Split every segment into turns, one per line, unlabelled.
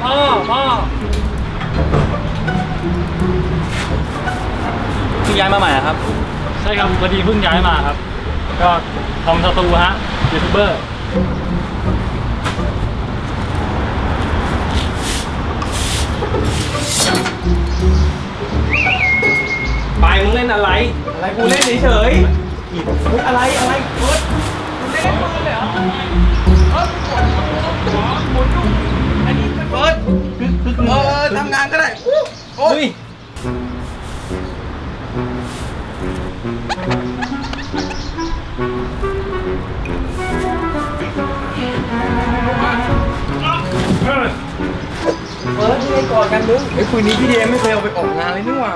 พ่อเพิ่งย้ายมาใหม่ครับใช่ครับพอดีเพิ่งย้ายมาครับก็ทำสตูฮะยูทูบเบอร์ไปมึงเล่นอะไรกูเล่นเฉยๆอะไรเฟิร์สมึงเล่นเลยเหรอหมุนอันนี้เฟิร์ส
ทำงานก็ได้
โอ้ย
เฟิร์สที่ไอ้กอดกันมึงไอ้คุยนี้พี่เดมไม่เคยเอาไปออกงานเลยนี่หว่า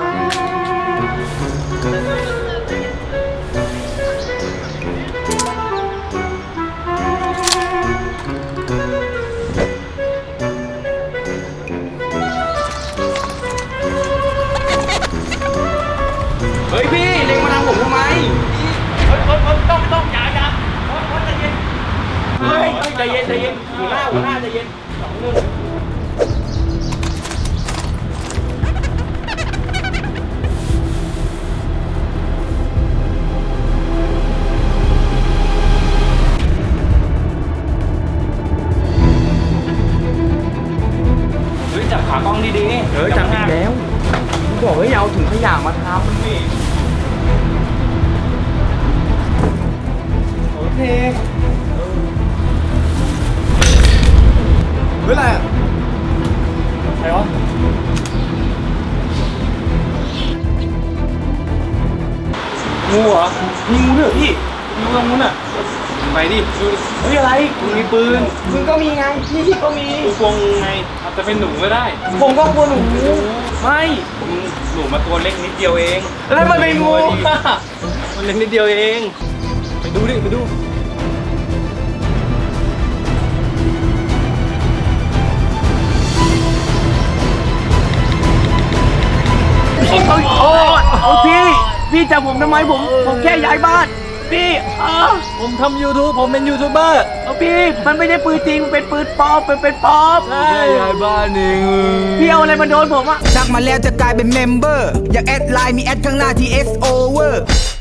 เฮ้ยพี่เล็งมาทางผมทำไม
ต้องอย่าใจเย็น
เฮ้ยใจเย็นหัวหน้าใจเย็น
จับขากล้องดี
จับผิดแล้วบอกให้เอาถุงขยะมาทำนี่โอเคเฮ้ยอะไรอ่ะ
ใครวะงูเหรอ
มีงูด้วยพี่
งูตรงนู้นอ่ะไปดิ
เฮ้ยอะไร
มึงมีปืน
มึงก็มีไงพี่ก็มี
กูกลัวงูไงอาจจะเป็นหนูก็ได้
ผมก็กลัวหนูไม่
หนูมาตัวเล็กนิดเดียวเอง
แล้วมันเป็นงู
มันเล็กนิดเดียวเองไปดู
โอ้พี่จับผมทำไมผมแค่ย้ายบ้านพี่
ผมทำ YouTube ผมเป็นยูทูบเบอร์
พี่มันไม่ใช่ปืนจริงมันเป็นปืนปลอมเป็นปลอม
ใช่ย้ายบ้านเอง
พี่เอาอะไรมาโดนผมอะ
ทักมาแล้วจะกลายเป็นเมมเบอร์อยากแอดไลน์มีแอดข้างหน้าที่ S over